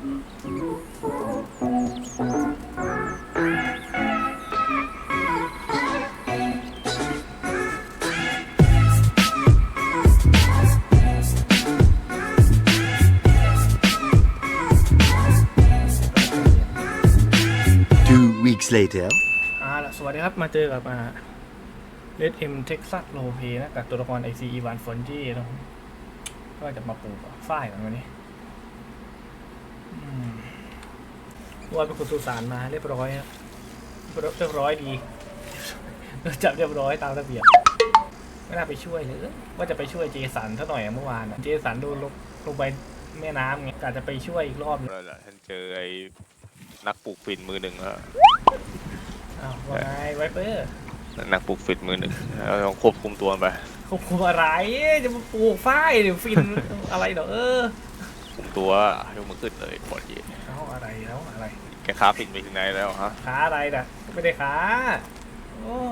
2 weeks later สวัสดีครับมาเจอกับเลดเอ็มเท็กซัสโรเพนะกับตัวละครไอซีอีวานฟอนจี้นะก็จะมาปลูกฝ้ายกันวันนี้ว่าเป็นคนสุสานมาเรียบร้อยครับเรียบร้อยดีจับเรียบร้อยตามระเบียบไม่น่าไปช่วยเลยว่าจะไปช่วยเจสันเท่าหน่อยเมื่อวานเจสันโดนลงไปแม่น้ำไงกะจะไปช่วยอีกรอบนึงท่านเจอไอ้นักปลูกฝิ่นมือหนึ่งแล้วว่าไงไวเปอร์นักปลูกฝิ่นมือหนึ่งเราต้องควบคุมตัวไปควบคุมอะไรจะมาปลูกฝ้ายหรือฟินอะไรเด้อคุมตัวยกมือขึ้นเลยปอดเย็นอะไรแล้วอะไรแกค้าฝิ่นไปถึงไหนแล้วฮะค้าอะไรน่ะไม่ได้ค้าโอ้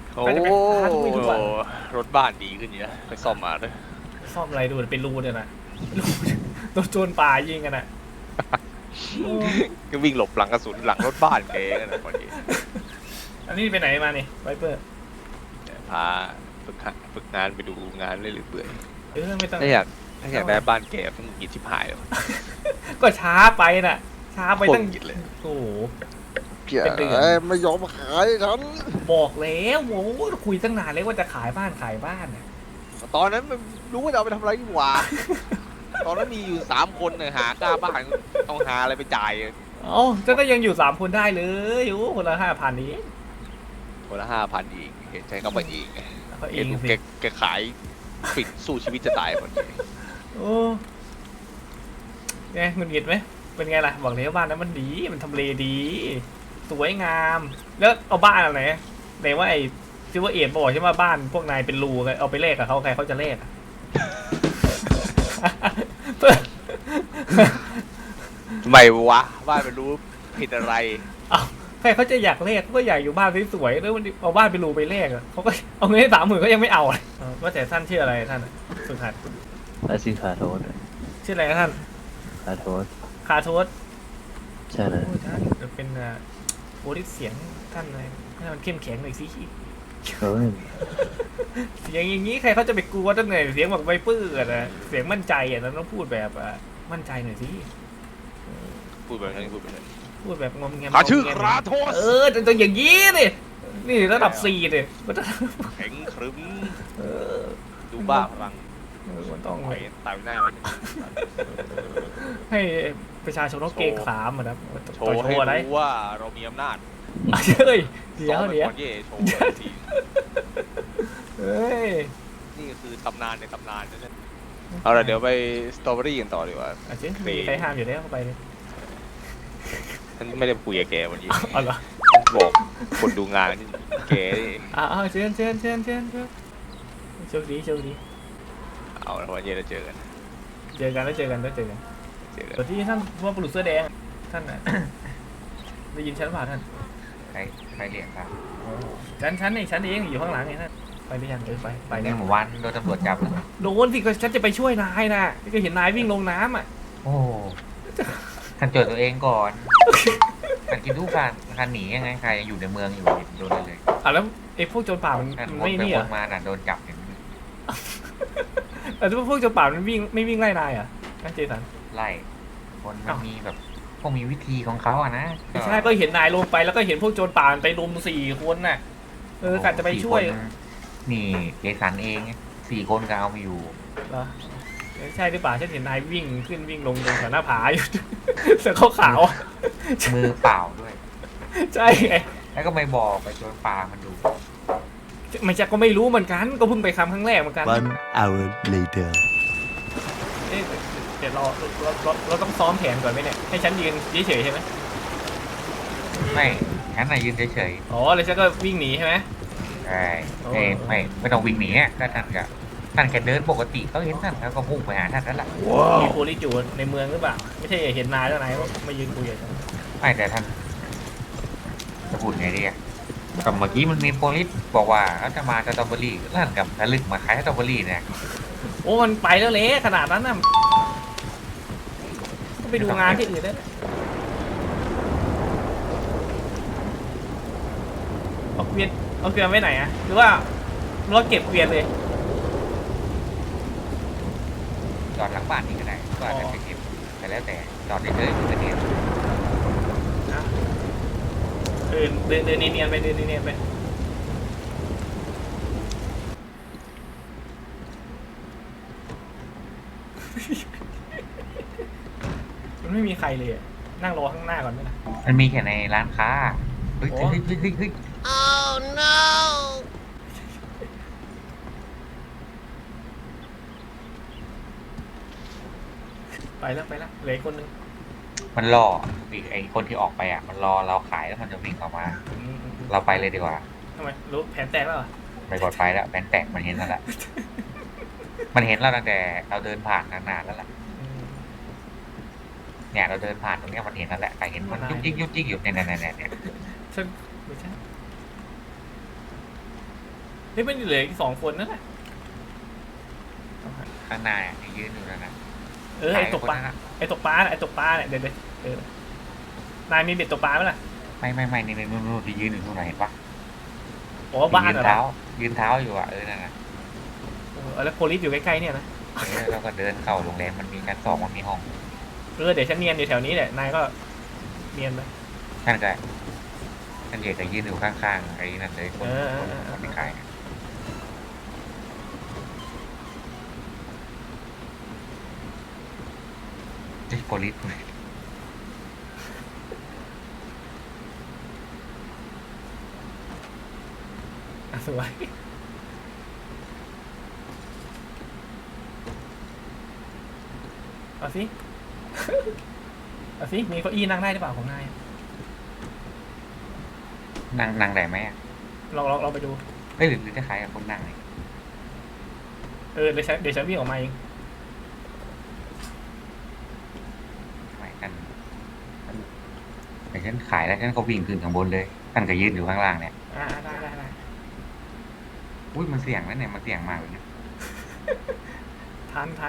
รถบ้านดีขึ้นเยอะไปซ่อมมาด้วยซ่อมอะไรดูเป็นรูเนี่ยนะโดนโจรป่ายิงกันน่ะก็วิ่งหลบหลังกระสุนหลังรถบ้านแกกันนะพอดีอันนี้ไปไหนมานี่ไวเปอร์พาฝึกงานไปดูงานเรื่อยๆเปื่อยไม่ต้องถ้าอยากได้บ้านแกต้องกินชิบหายเลยก็ช้าไปน่ะช้าไปตั้งเลยโอ้โหเป็นเดือนไม่ยอมขายฉันบอกแล้วโว้คุยตั้งนานเลยว่าจะขายบ้านตอนนั้นมันรู้ว่าจะเอาไปทำอะไรดีกว่าตอนนั้นมีอยู่3 คนเนี่ยหากล้าบ้านต้องหาอะไรไปจ่ายจะก็ยังอยู่3 คนได้เลยอยู่คนละ5,000นี้คนละ5,000อีกเห็นใจเขาไปอีกเห็นแกขายปิดสู้ชีวิตจะตายหมดเลยโอ้ไงเงินเก็บไหมเป็นไงล่ะบอกเลยว่าบ้านนั้นมันดีมันทำเลดีสวยงามแล้วเอาบ้านอะไรไหนว่าไอ้ซิวเอทบอกใช่ไหมบ้านพวกนายเป็นรูเอาไปแลกกับเขาใครเขาจะแลกทำไมวะบ้านเป็นรูผิดอะไรใครเขาจะอยากแลกก็อยากอยู่บ้านสวยๆแล้วเอาบ้านเป็นรูไปแลกเขาก็เอาเงินให้30,000ก็ยังไม่เอาว่าแต่ท่านชื่ออะไรท่านสุดท้ายชื่อคาโทสชื่ออะไรท่านคาโทสใช่เลยท่านเป็นโอ้ดิเสียงท่านอะไรให้มันเข้มแข็งหน่อยสิเสียงอย่างนี้ใครเขาจะไปกลัวตั้งไหนเสียงแบบไวเปอร์นะเสียงมั่นใจนั้นต้องพูดแบบมั่นใจหน่อยสิพูดแบบนั้นพูดแบบงอมแงมชื่อคราโทสต้องอย่างนี้นี่ระดับ4เลยแข็งครึ้มดูบ้าพลังมันต้องไปตายหน้าให้ประชาชนต้องเกรงขามนะโชว์ให้รู้ว่าเรามีอำนาจเฮ้ยเดี๋ยวเฮ้ยนี่คือตำนานในตำนานนั่นเอาละเดี๋ยวไปสตรอเบอรี่กันต่อดีกว่ามีใครห้ามอยู่แล้วเข้าไปเลยฉันไม่ได้คุยกับแกวันนี้อ๋อเหรอบอกคนดูงานแกเชิญโชคดีเอาละวันนี้เราเจอกันแล้วเจอกันตอนที่ท่านว่าปลุกเสื้อแดงท่านได้ยินฉันเปล่าท่านใครเรียกครับฉันเองอยู่ข้างหลังไงท่านไปได้ยังไปเนี่ยหมู่วันโดนตำรวจจับโดนสิก็ฉันจะไปช่วยนายนะก็เห็นนายวิ่งลงน้ำโอ้ท่านเจอตัวเองก่อนท่านคิดดูการหนียังไงใครยังอยู่ในเมืองอยู่โดนเลยแล้วไอ้พวกโจรป่ามันไม่นี่อ่ะมาโดนจับอย่างนี้แต่พวกโจรป่ามันไม่วิ่งไล่นายนั่นเจสันไล่คนมันมีแบบพวกมีวิธีของเขานะใช่ก็เห็นนายลงไปแล้วก็เห็นพวกโจรป่าไปรุม4 คนน่ะกะจะไปช่วยนี่เจสันเอง4 คนก็เอามาอยู่เหรอใช่หรือเปล่าฉันเห็นนายวิ่งขึ้นวิ่งลงตรงหน้าผาอยู่เสื้อขาวมือเปล่าด้วยใช่ไงแล้วก็ไม่บอกไปโจรป่ามันดูไม่ใช่ก็ไม่รู้เหมือนกันก็เพิ่งไปครั้งแรกเหมือนกัน 1 hour later เดี๋ยวเราต้องซ้อมแผนก่อนไหมเนี่ยให้ฉันยืนเฉยๆใช่ไหมไม่ฉันน่ะยืนเฉยๆแล้วฉันก็วิ่งหนีใช่ไหมใช่ไม่ต้องวิ่งหนีก็ท่านแค่เดินปกติเขาเห็นท่านแล้วก็พุ่งไปหาท่านนั่นแหละมีโพลิจูในเมืองหรือเปล่าไม่ใช่เห็นนายแล้วนายว่ามายืนคุยกันไม่แต่ท่านจะพูดไงดีกับเมื่อกี้มันมีโพลิสบอกว่าเขาจะมาสตรอเบอรี่ท่านกับทะลึกมาขายสตรอเบอรี่เนี่ยโอ้มันไปแล้วเละขนาดนั้นน่ะไปดูงานที่อื่นได้เอาเกวียนไว้ไหนอะหรือว่าเราเก็บเกวียนเลยจอดหลังบ้านนี่ก็ได้ก็อาจจะไปเก็บแต่แล้วแต่จอดเฉยๆมันก็เนียนเดินเนียนๆไปเดินเนียนๆไปมันไม่มีใครเลยอะนั่งรอข้างหน้าก่อนไหมล่ะมันมีแค่ในร้านค้าเฮ้ยเฮ้ยเฮ้ยเฮ้ยเฮ้ย Oh no ไปแล้วเหลืออีกคนนึงมันรออีกไอคนที่ออกไปอ่ะมันรอเราขายแล้วมันจะวิ่งออกมา เราไปเลยดีกว่าทำไมรู้แผนแตกแล้วเหรอไปกดไฟแล้วแบนแตกมันเห็นแล้วแหละมันเห็นเราตั้งแต่เราเดินผ่านนานๆแล้วแหละเนี่ยเราเดินผ่านตรงเนี้ยมันเห็นแล้วแหละใครเห็นมันยุกยิกอยู่เนี่ยเนี่ยฉันไม่ใช่เฮ้ยมันเหลืออีก2 คนนั่นแหละข้างหน้าเนี่ยยืนอยู่นั่นนะไอ้ตกปลาน่ะไอ้ตกปลาเนี่ยเดี๋ยวนายมีเบ็ดตกปลาไหมล่ะไม่นี่นู่นที่ยืนอยู่นู่นเห็นปะโอ้บ้านเหรอยืนเท้าอยู่อ่ะนั่นน่ะแล้วโพลิสอยู่ใกล้ๆเนี่ยนะแล้วก็เดินเข้าโรงแรมมันมีชั้น2มันมีห้องเดี๋ยวฉันเนียนอยู่แถวนี้แหละนายก็เนียนไปท่านก็ท่านเอกก็ยืนอยู่ข้างๆไอ้นั่นเลยคนที่ขายเฮ้ยโพลิสสวยเอาสิ เอาสิมีเก้าอี้นั่งได้หรือเปล่าของนายนั่งได้ไหมอ่ะลองไปดูเฮ้ยหรือจะขายกับคนนั่งเลยเดี๋ยวฉันวิ่งออกมาเองไม่กันแต่ฉันขายแล้วฉันก็วิ่งขึ้นข้างบนเลยท่านก็ยืนอยู่ข้างล่างเนี่ยได้อุ้ยมันเสี่ยงนะเนี่ยมันเสี่ยงมากเลยนะทัน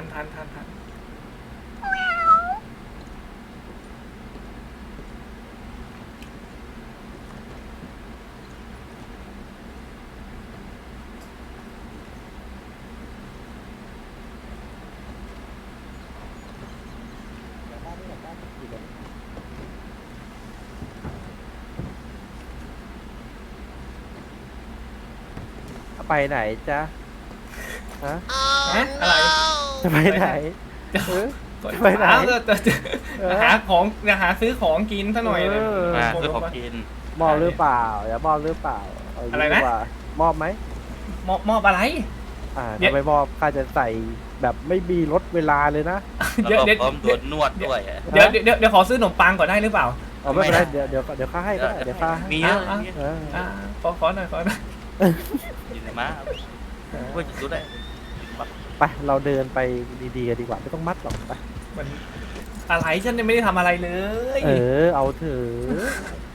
ไปไหนจ๊ะฮะอะไรจะไปไหนเออ ไปไหนจะหาของจะหาซื้อของกินซะหน่อยเลยมาซื้อของกินมอบหรือเปล่าอย่ามอบหรือเปล่าเาอะไรนะดีกว่ามอบไหมมอบอะไร เดี๋ยวถ้าไม่มอบข้าจะใส่แบบไม่มีลดเวลาเลยนะแล้วก็พร้อมโดนนวดด้วยอะเดี๋ยวขอซื้อขนมปังก่อนได้หรือเปล่าเอาไม่เป็นไรเดี๋ยวข้าให้ก็ได้เดี๋ยวข้าให้มีเยอะอ่ะมีเยอะเออขอหน่อยอยู่ในม้าเพื่อจะรู้ได้ไปเราเดินไปดีๆกันดีกว่าไม่ต้องมัดหรอกไปมันอะไรฉันยังไม่ได้ทำอะไรเลยเอาเถอะ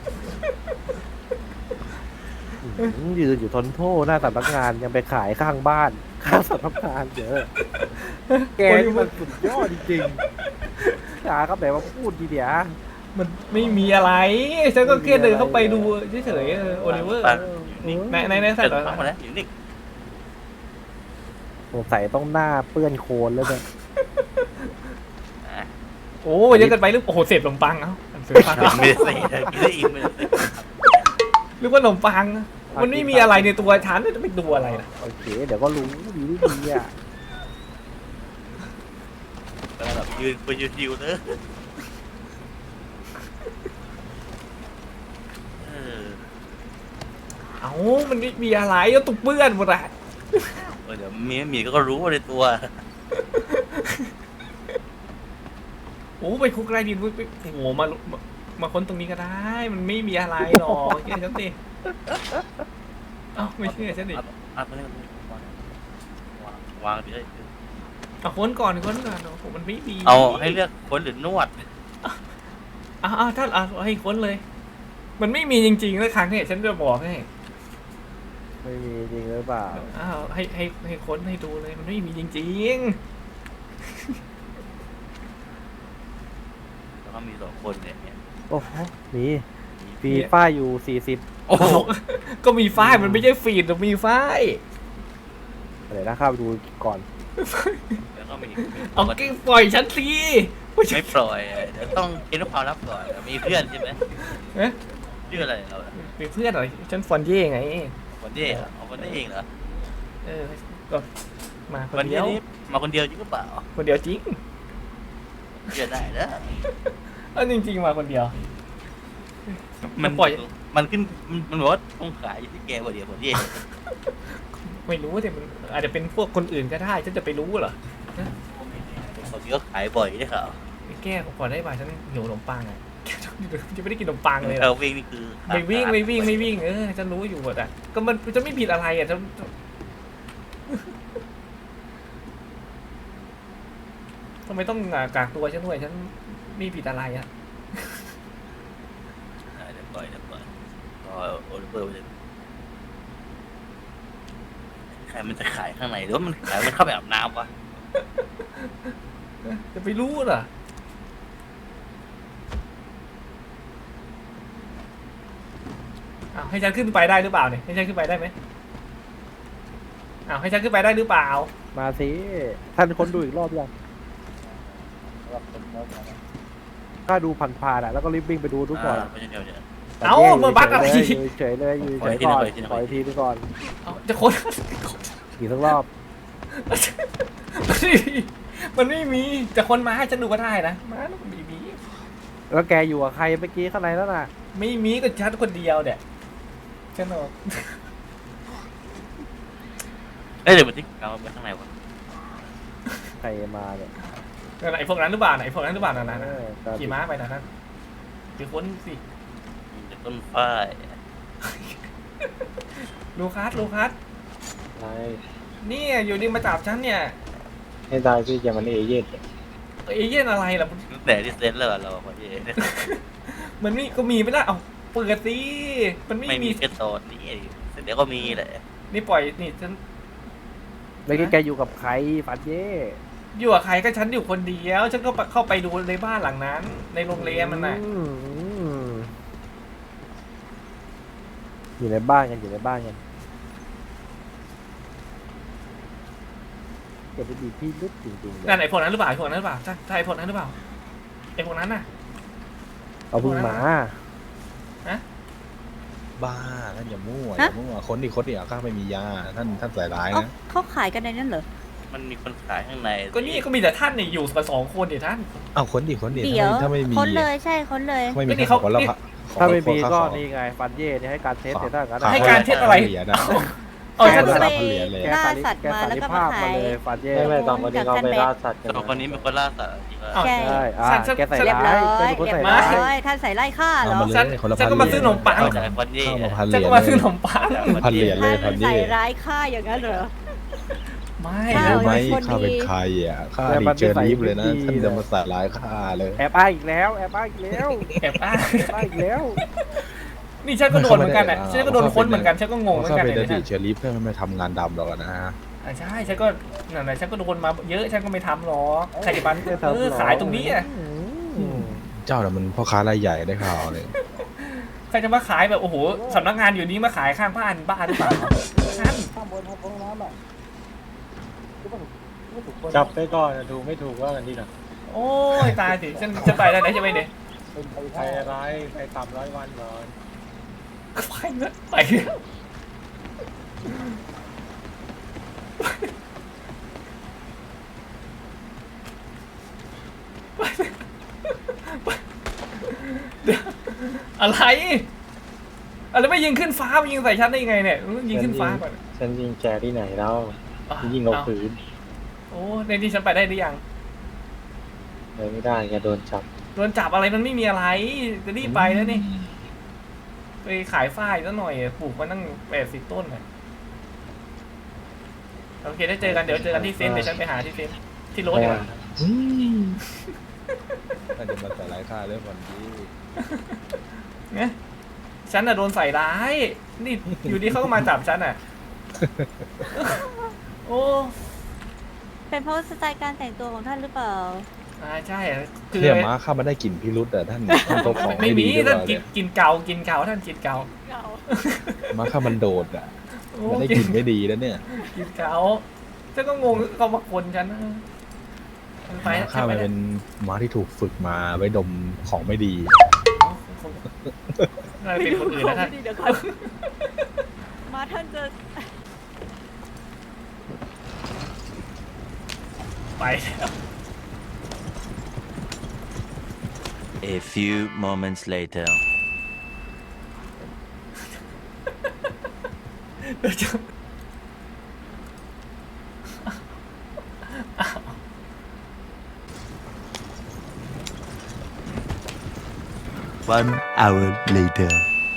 ยืนอยู่ทนโทษหน้าสำนักงานยังไปขายข้างบ้านข้างสำนักงานเยอะแกนี่มันสุดยอดจริงๆจ๋าครับไหนมาพูดดีเดียวมันไม่มีอะไรฉันก็แค่เดินเข้าไปดูเฉยๆโอลิเวอร์นิ่งในใส่เดิต่อนมาแล้วอยู่นิ่งสงสัยต้องหน้าเปื้อนโคลนแล้วเนี่ยโอ้เยอะเกินไปหรือโอ้โหเสพขนมปังเอ้าเสพขนมปังไม่ได้ใส่กินได้อีกไม่ได้หรือว่าขนมปังมันไม่มีอะไรในตัวฉันจะไปดูอะไรล่ะโอเคเดี๋ยวก็รู้ดีดีอ่ะแต่แบบยืนไปยืนดิวเนอะเออเอ้ามันไม่มีอะไรแล้วตุกเปื้อนหมดอะเดี๋ยวมีก็รู้ว่าในตัวโอ้ไปคุกไรดินไปโอ้โหมาค้นตรงนี้ก็ได้ มันไม่มีอะไรหรอกเชื่อฉันสิเอ้าไม่เชื่อฉันดิเอาไปเลยวางดิเลยเอาค้นก่อนโอ้โหมันไม่มีเอาให้เลือกคนหรือนวดถ้าให้ค้นเลย มันไม่มีจริงๆแล้วครั้งนี้ฉันจะบอกให้ไม่มีจริงหรือเปล่าให้ค้นให้ดูเลยมันไม่มีจริงๆเขามี2 คนเนี่ยโอ้โหมีฟีฟ้าอยู่40 โอ้โหก็มีฝ้ายมันไม่ใช่ฟีดแต่มีฝ้ายอะไรนะเข้าไปดูก่อนแล้วก็มีเอากิ้งปล่อยฉันสิไม่ปล่อยเดี๋ยวต้องคิดว่าความลับก่อนมีเพื่อนใช่ไหมเอ๊ะชื่ออะไรเรามีเพื่อนเหรอฉันฟอนเย่ไงคนนี้เหรอเอาคนนี้เองเหรอเออก็มาควันนนี้เดียวมาคนเดียวจริงหรือเปล่าคนเดียวจริงเชื่อได้นะเออจริงๆมาคนเดียวมันปล่อยมันขึ้นมันบอกว่าต้องขายอยู่ที่แกคนเดียวคนนี้เองไม่รู้แต่มันอาจจะเป็นพวกคนอื่นก็ได้ฉันจะไปรู้เหรอคนนี้ก็ขายบ่อยได้ข่าวไปแก้ก่อนได้ป่ะฉันหิวขนมปังอ่ะ จะไม่ได้กินขนมปังเลยเราวิ่งนี่คือไม่วิ่งเออฉันรู้อยู่หมดอ่ะก็มันจะไม่ผิดอะไรอ่ะฉันทำไมต้องกากตัวฉันด้วยฉันไม่ผิดอะไรอ่ะเดี๋ยวปล่อยรอโอลิเวอร์ไปเลยใครมันจะขายข้างในหรือว่ามันขายมันเข้าไปอาบน้ำวะจะไปรู้เหรออ้าวให้ฉันขึ้นไปได้หรือเปล่าเนี่ยให้ฉันขึ้นไปได้ไหมอ้าวให้ฉันขึ้นไปได้หรือเปล่ามาสิท่านคนดูอีกรอบยังก็ดูผ่านๆอ่ะแล้วก็รีบวิ่งไปดูทุกก่อนเพราะฉะนั้นเดี๋ยวเอ้ามาบักอะไรอยู่เฉยเลยอยู่เฉยก่อนขออีกทีไปก่อนเอาจะคนอีกสักรอบมันไม่มีแต่คนมาให้ฉันดูก็ได้นะมาแล้วไม่มีแล้วแกอยู่กับใครเมื่อกี้ข้างในแล้วน่ะไม่มีก็ฉันคนเดียวเนี่ยฉันบอกเดี๋ยวมันที่เราไปข้างในวะใครมาเนี่ยไอ้พวกนั้นหรือเปล่าไอ้พวกนั้นหรือเปล่านั่นเออขี่ม้าไปนะนั่นไปค้นสิมันจะต้นฝ้ายลูคัสใช่นี่อยู่ดีมาจับฉันเนี่ยให้ได้พี่จะมันเอเย่นเอเย่นอะไรล่ะตั้งแต่ที่เซ็ตแล้วเราคนที่มันนี่ก็มีไม่ได้เอาเปิดสิมันไม่ไม่มีมีแค่โซนนี้เสร็จแล้วก็มีแหละนี่ปล่อยนี่ฉันเมื่อกี้แกอยู่กับใครฟันเย่อยู่กับใครก็ฉันอยู่คนเดียวฉันก็เข้าไปดูในบ้านหลังนั้น ในโรงแรมมันน่ะอยู่ในบ้านกันอยู่ในบ้านกันเกิดดีพี่ลึกจริงๆเลยนั่นไอ้พวกนั้นหรือเปล่าไอ้พวกนั้นหรือเปล่าใช่ไอ้พวกนั้นหรือเปล่าไอ้พวกนั้นน่ะเอาพึ่งมาบ้าท่านอย่ามั่วอย่ามั่วคนที่ข้าไม่มียาท่านใส่ร้ายเอ้านะเขาขายกันในนั้นเหรอมันมีคนขายข้างในก็นี่ก็มีแต่ท่านเนี่ยอยู่กับ2 คนเดี๋ยวท่านอ้าวคนดิเดี๋ยวถ้าไม่มีค้นเลยใช่ค้นเลยไม่มีก็นี่ข้าเขาขอแล้วถ้าไม่มีก็นี่ไงฟันเย่เนี่ยให้การเทสแต่ถ้างั้นให้การเทสอะไรเหรียญนะเออฉัฉันนไปเหรียญเลยล่าสัตว์มาแล้วก็มาขายเลยฟันเย่ไม่ตอนวันนี้เขาไปล่าสัตว์กันสองคนนี้เป็นคนล่าสัตว์จริงอ้าวใช่ใช่แกใส่เรียบร้าร้อย ยเป็นคนเรียใส่บร้ร้าอย ยท่านใส่ไล่ฆ่าเหรอเอามาเลยฉันคนละฉันก็มาซื้อขนมปังเอาจากคนนี้เข้ามาพันเหฉันรียญก็มาซื้อขนมปังพันเหรียญเลยพัท่าน นนี่ใส่ร้ายฆ่าอย่างนั้นเหรอไม่ข้ารู้วไหมคนดีข้าเป็นใครอ่ะข้าดิเจอรีฟเลยนะท่านจะมาใส่ร้ายข้าเลยแอบอ้างอีกแล้วแอบอ้างอีกแล้วแอบอ้างแอบอ้างอีกแล้วนี่ฉันก็โดนเหมือนกันอ่ะฉันก็โดนค้นเหมือนกันฉันก็งงเหมือนข้ากันเป็นเลอย ดีตเชอรีฟเพื่อไม่ทำงานดำหรอกนะใช่ฉันก็นั่นแหละฉันก็โดนมาเยอะฉันก็ไม่ทำหรอกใครจะมาไม่ทำหรอกขายตรงนี้อ่ะเจ้าน่ะมันพ่อค้ารายใหญ่ได้ข่าวเลยใครจะมาขายแบบโอ้โหสำนักงานอยู่นี้มาขายข้างบ้านบ้าหรือเปล่าท่านจับไปก่อนถูกไม่ถูกว่ากันดีนะโอ้ยตายสิฉันจะไปได้ไหนจะไปเนี่ยใครร้ายใครต่ำ100 วันก่อนไปนะไปอะไรอะไรไม่ยิงขึ้นฟ้าไปยิงใส่ฉันได้ยังไงเนี่ยยิงขึ้นฟ้าก่อนฉันยิงแกที่ไหนแล้วยิงเอาผืนโอ้ในที่ฉันไปได้หรือยังเลยไม่ได้แกโดนจับโดนจับอะไรมันไม่มีอะไรจะรีบไปแล้วนี่ไปขายฝ้ายซะหน่อยปลูกมาตั้ง80 ต้นเลยโอเคได้เจอกันเดี๋ยวเจอกันที่เซนเดี๋ยวฉันไปหาที่เซนที่รถดีกว่าท่านจะมาใส่ร้ายข้าเรื่องวันนี้เนี่ยฉันน่ะโดนใส่ร้าย นี่อยู่ดีเขาก็มาจับฉันอ่ะ โอ้เป็นเพราะสไตล์การแต่งตัวของท่านหรือเปล่าใช่คือเนี่ยม้าข้ามาได้กลิ่นพิรุษแต่ท่านพกของไม่ไม่มีดีหรือเปท่านล่ากิเนี่นยกินเก่ากินเก่าท่านกินเก่าม้าข้ามันโดดอ่ะมันได้กลิ่นไม่ดีแล้วเนี่ยกินเก่าฉันก็งงเขามาคนฉันไปม้าข้ามันเป็นม้าที่ถูกฝึกมาไว้ดมของไม่ดีน่าจะเป็นคนอื่นนะท่านเดี๋ยวก่อนมาท่านจะไปแล้ว A few moments later. เดี๋ยวจะ 1 hour later.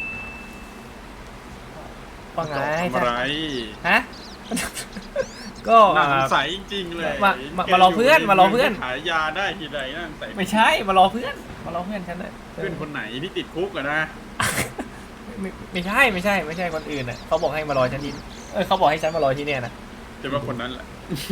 ว่าไงทำอะไรฮะ ก็น่าสงสัยจริงๆเลยมารอเพื่อนมารอเพื่อนขายยาได้ทีไรน่าสงสัยไม่ใช่มารอเพื่อนฉันเลยเพื่อนคนไหนที่ติดคุกอะนะไม่ใช่คนอื่นน่ะเขาบอกให้มารอฉันที่เขาบอกให้ฉันมารอที่เนี่ยนะจะว่าคนนั้นแหละ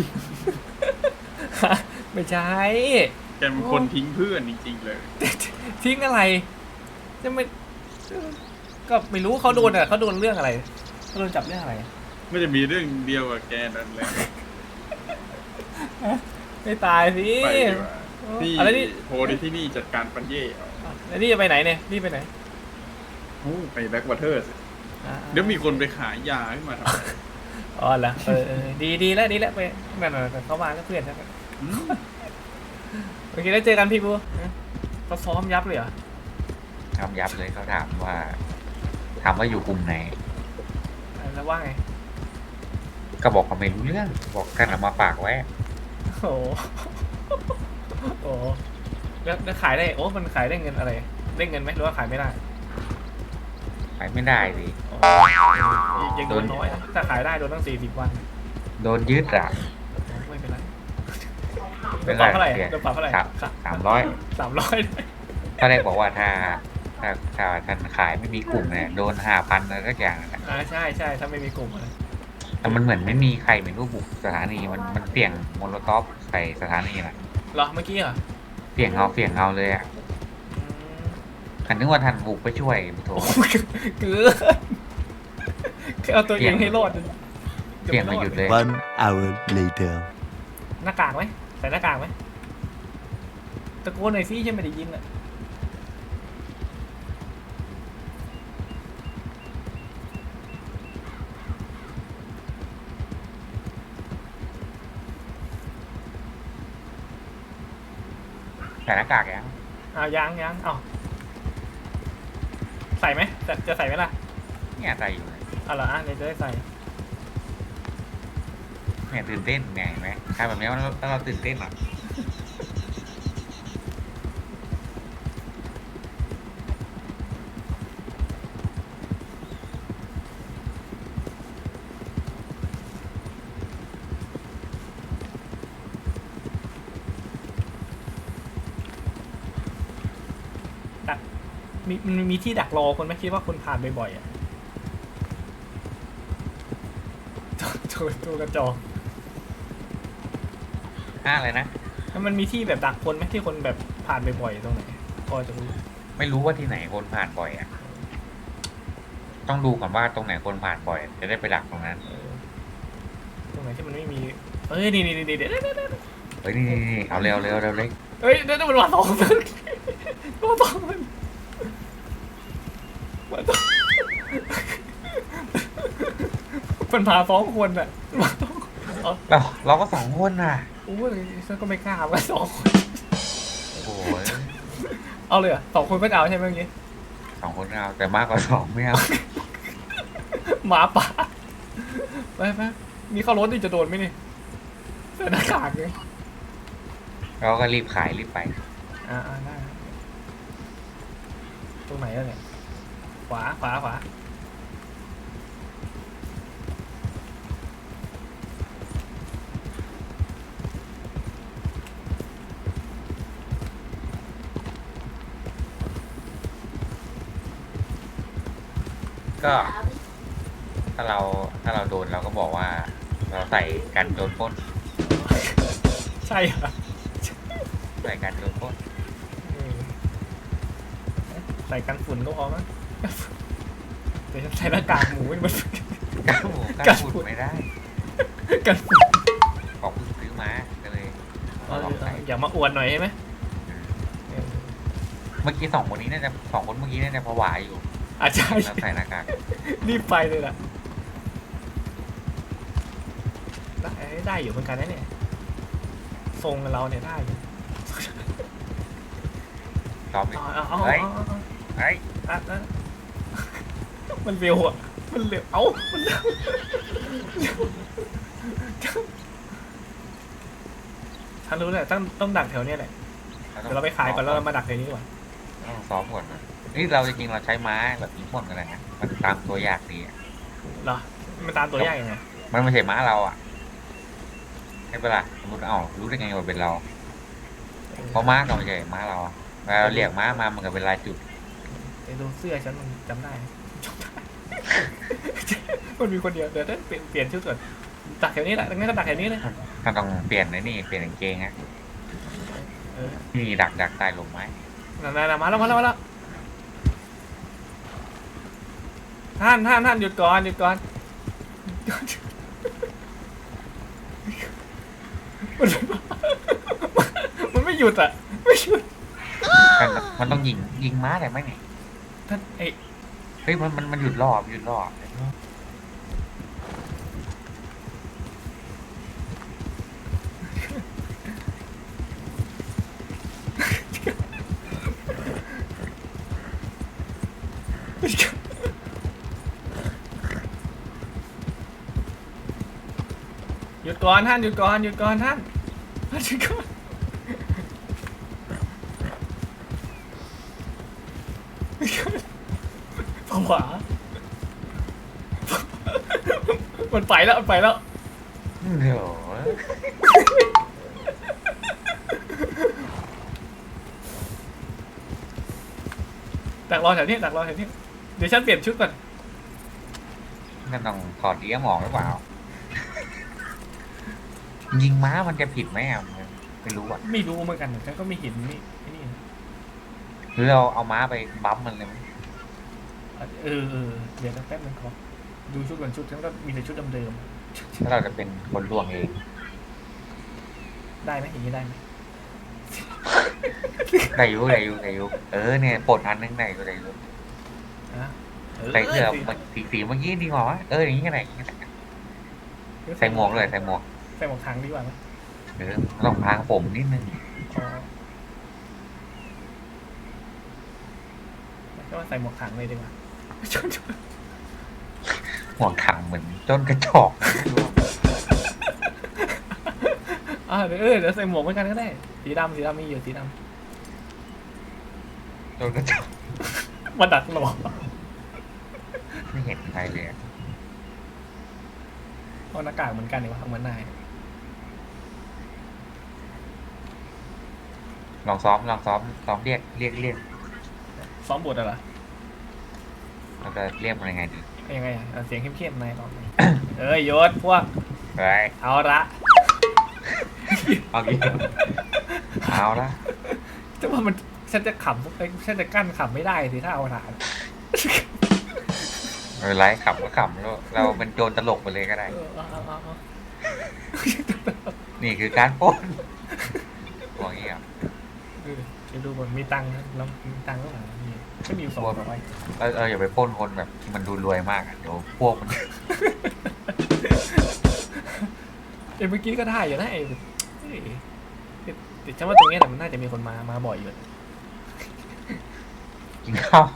ไม่ใช่แกเป็นคนทิ้งเพื่อนจริงๆเลยทิ้งอะไรจะไม่ก็ไม่รู้เขาโดนเขาโดนเรื่องอะไรเขาโดนจับเรื่องอะไรไม่จะมีเรื่องเดียวกับแกนั่นแหละไม่ตายสิไปดีกว่านี่อะไรนี่โพลที่นี่จัดการปัญเย่เอาแล้วนี่จะไปไหนเนี่ยนี่ไปไหนไปแบ็กวอเตอร์สิเดี๋ยวมีคนไปขายยาขึ้นมาทำไมอ๋อเหรอดีแล้วไปนั่นเขามาแล้วเพื่อนใช่ไหมโอเคแล้วเจอกันพี่บูเขาซ้อมยับเลยเหรอทำยับเลยเขาถามว่าอยู่กลุ่มไหนแล้วว่าไงก็บอกเขาไม่รู้เรื่องบอกกันเอามาฝากไว้โอ้โหแล้วขายได้โอ้มันขายได้เงินอะไรได้เงินไหมหรือว่าขายไม่ได้ไปไม่ได้สิยังโดนน้อยนะถ้าขายได้โดนตั้ง40 วันโดนยึดอ่ะไม่เป็นไรโดไม่นเป็ปรับนเท่าไหร่ไรโดนปรับเท่าไหร่ 300 300 ตอนแรกบอกว่าถ้าท่านขายไม่มีกลุ่มเนี่ยโดน5,000อะไรสักอย่างนะใช่ถ้าไม่มีกลุ่มแต่มันเหมือนไม่มีใครไม่รู้บุกสถานีมันเปลี่ยนโมโลท็อปใส่สถานีน่ะเหรอเมื่อกี้เหรอเปลี่ยนเอาเลยอ่ะฉันนึกว่าท่านบุกไปช่วยโถเกือเอาตัวเองให้รอดเปลี่ยนมาหยุดเลย 1 hour later. หน้ากากไหมใส่หน้ากากไหมตะโกนหน่อยสิฉันไม่ได้ยินอ่ะใส่หน้ากากยังยังเอาใส่ไหมจะใส่ไหมล่ะเนี่ยใส่อยู่เลยเอาเหรอเดี๋ยวจะได้ใส่เนี่ยตื่นเต้นไงเห็นไหมใครแบบนี้แล้วเราตื่นเต้นอ่ะมันมีที่ดักรอคนไหมคิดว่าคนผ่านบ่อยๆอ่ะตัวกระจอกอะไรนะแล้วมันมีที่แบบดักคนไหมที่คนแบบผ่านบ่อยๆตรงไหนพอจะรู้ไม่รู้ว่าที่ไหนคนผ่านบ่อยอ่ะต้องดูก่อนว่าตรงไหนคนผ่านบ่อยจะได้ไปดักตรงนั้นตรงไหนที่มันไม่มีนี่เดี๋ยวเฮ้ยนี่เอาเร็วเลยเฮ้ยเดี๋ยวมันมาสองคนมาสองคนมันพา2 คนอ่ะเราก็2 คนน่ะโอ้ยฉันก็ไม่กล้าว่า2 คนโอ้ยเอาเลยอ่ะ2 คนก็เอาใช่ไหมเมื่อกี้ 2 คนเอาแต่มากกว่า2ไม่เอาหมาป่าไปมีเข้ารถนี่จะโดนไหมนี่ใส่หน้ากากเลยเราก็รีบขายรีบไปได้ตรงไหนแล้วเนี่ยขวาก็ถ้าเราโดนเราก็บอกว่าเราใส่กันโดนปล้นใช่เหรอใส่การโดนปล้นใส่กันฝุ่นก็พอมั้งแต่ใส่หน้ากากหมูมันการหมูการฝุ่นไม่ได้กันฝุ่นของเพิ่งซื้อมาก็เลยลองใส่อย่ามาอวดหน่อยใช่ไหมเมื่อกี้สองคนเมื่อกี้น่าจะผวาอยู่อาจารย์แล้วใส่หน้ากากรีบไปเลยล่ะได้อยู่เหมือนกันนะเนี่ยทรงเราเนี่ยได้อยู่ซ้อมอีกเอาเฮ้ยมันเร็วอ่ะมันเร็วมันเร็วฉันรู้แหละต้องดักแถวเนี้ยแหละเดี๋ยวเราไปขายก่อนแล้วเรามาดักแถวนี้ดีกว่าต้องซ้อมก่อนนะนี่เราจริงๆเราใช้ไม้แบบยิงพ่นกันเลยนะมันตามตัวยากดีอะเหรอมันตามตัวยากยังไงมันไม่ใช่ม้าเราอ่ะใช่ปะล่ะสมมติรู้ได้ไงว่าเป็นเราเพราะม้าก็ไม่ใช่ม้าเราอะเวลาเราเรียกม้ามามันก็เป็นลายจุดไอ้ดูเสื้อฉันมันจำได้ มันมีคนเดียวเดี๋ยวเปลี่ยนชุดก่อนดักแถวนี้แหละงั้นก็ดักแถวนี้เลยถ้าต้องเปลี่ยนในนี่เปลี่ยนกางเกงนะนี่ดักใต้ลมไม้นั่นมาแล้วท่านหยุดก่อนมันไม่หยุดอ่ะไม่หยุดมันต้องยิงม้าได้ไหมเนี่ยท่านเฮ้ยมันหยุดรอบหยุดก่อนท่านหยุดก่อนท่านผวามันไปแล้วเดี๋ยวดักรอแถวนี้เดี๋ยวฉันเปลี่ยนชุดก่อนมันต้องถอดเดี้ยหมองหรือเปล่ายิงม้ามันจะผิดไหมอ่ะไม่รู้อ่ะไม่รู้เหมือนกันฉันก็ไม่เห็นนี่หรือเราเอาม้าไปบั๊มมันเลยไหมเดี๋ยวแป๊บนึงขอดูชุดก่อนชุดฉันก็มีแต่ชุดเดิมถ้าเราจะเป็นคนลวงเองๆได้ไหมอย่างนี้ได้ไหมได้อยู่เนี่ยปลดอันนึงได้อยู่ใส่เสื้อสีเมื่อกี้ดีกว่าวะอย่างนี้ก็ได้ใส่หมวกเลยใส่หมวกทางดีกว่าไหมต้องพางผมนิดนึงก็ใส่หมวกถังเลยดีกว่าหมวกถังเหมือนจนกระจอกเดี๋ยวใส่หมวกเหมือนกันก็ได้สีดำมีอยู่สีดจนกระจอกำมาดักหลอกไม่เห็นใครเลยเพราะหน้ากากเหมือนกันดีกว่าเหมือนนายลองซ้อมเรียกซ้อมบทอะไรเราจะเรียกมันยังไงดียังไงเสียงเข้มๆนายลองยศพวกไปเอาละเอาละแต่ว่าฉันจะขำฉันจะกั้นขำไม่ได้สิถ้าเอาฐานไม่เป็นไรขำก็ขำแล้วเราเป็นโจรตลกไปเลยก็ได้นี่คือการปล้นบอกอย่างนี้อ่ะจะดูบนมีตังค์แล้วมีตังค์ก็หนาก็มี200 อย่าไปปล้นคนแบบที่มันดูรวยมากเดี๋ยวพวกมันเมื่อกี้ก็ได้อยู่นะแต่ฉันว่าตรงนี้แหละมันน่าจะมีคนมาบ่อยอยู่กินข้าว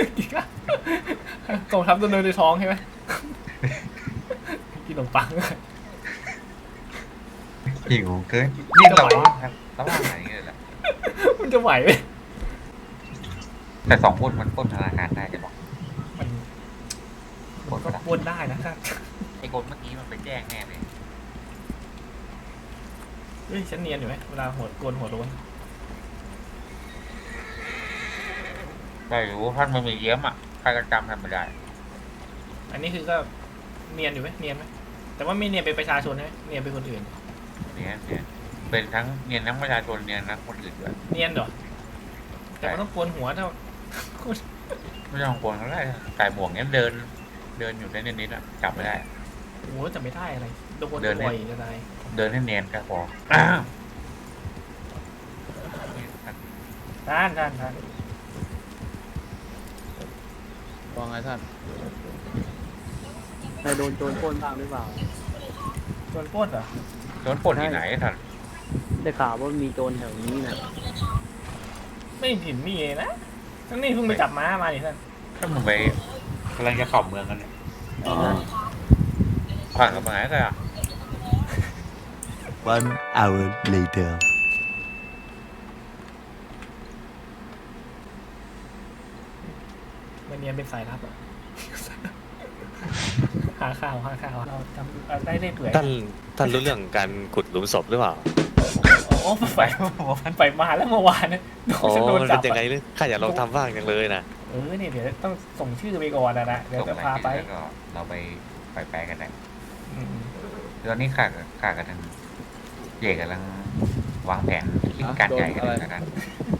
กองทัพตัวเดินในท้องใช่ไหมกินขนมปังหิวเกินนี่เราระหว่างไหนเลยแหละมันจะไหวไหมแต่2 คนมันปล้นธนาคารได้จะบอกมันก็ปล้นได้นะไอ้คนเมื่อกี้มันไปแจ้งแน่เลยฉันเนียนอยู่ไหมเวลาโกนหัวโล้นได้รู้ท่านมันมีเยี่ยมอ่ะใครก็จำทำไม่ได้อันนี้คือก็เนียนอยู่ไหมเนียนไหมแต่ว่าไม่เนียนเป็นประชาชนใช่ไหมเนียนเป็นคนอื่นเนี่ยไปเป็นทั้งเนียนทั้งประชาชนเนียนทั้งคนอื่นด้วยเนียนเหรอแต่มันต้องโกนหัวเท่าไม่ต้องกลัวเขาได้ใส่หมวกเนี้ยเดินอยู่ได้นิดๆอะจับไม่ได้โอ้โหจะไม่ได้อะไรโดนเดินบ่อยจะได้เดินให้เนียนแค่พอท่านว่าไงท่านใครโดนโจรปล้นบ้างหรือเปล่าโดนปล้นเหรอโดนปล้นที่ไหนท่านได้ข่าวว่ามีโจรแถวนี้นะไม่เห็นมีเลยนะทั้งนี้เพิ่งไปจับม้ามาดิท่านถ้ามึงไปกำลังจะเข้าเมืองกันเนี่ยผ่านกับไหนกันอ่ะ 1 hour later. มันเนียนเป็นสายลับอ่ะ หาข่าวเราทำได้เรื่อยเปื่อยท่านรู้เรื่องการขุดหลุมศพหรือเปล่าโอ้ไปมาแล้วเมื่อวานนะโอ้โดนมันจัเป็บนยังไงเลยข้าอยากลองทำบ้างจังเลยนะเนี่ยเดี๋ยวต้องส่งชื่อไปก่อนนะเดี๋ยวส่งจะรายพาไปชื่อแล้วก็เราไปแปลกันได้อืมตอนนี้ข้ากันทางเจกำลังวางแผนคิดการใหญ่กันแล้วกัน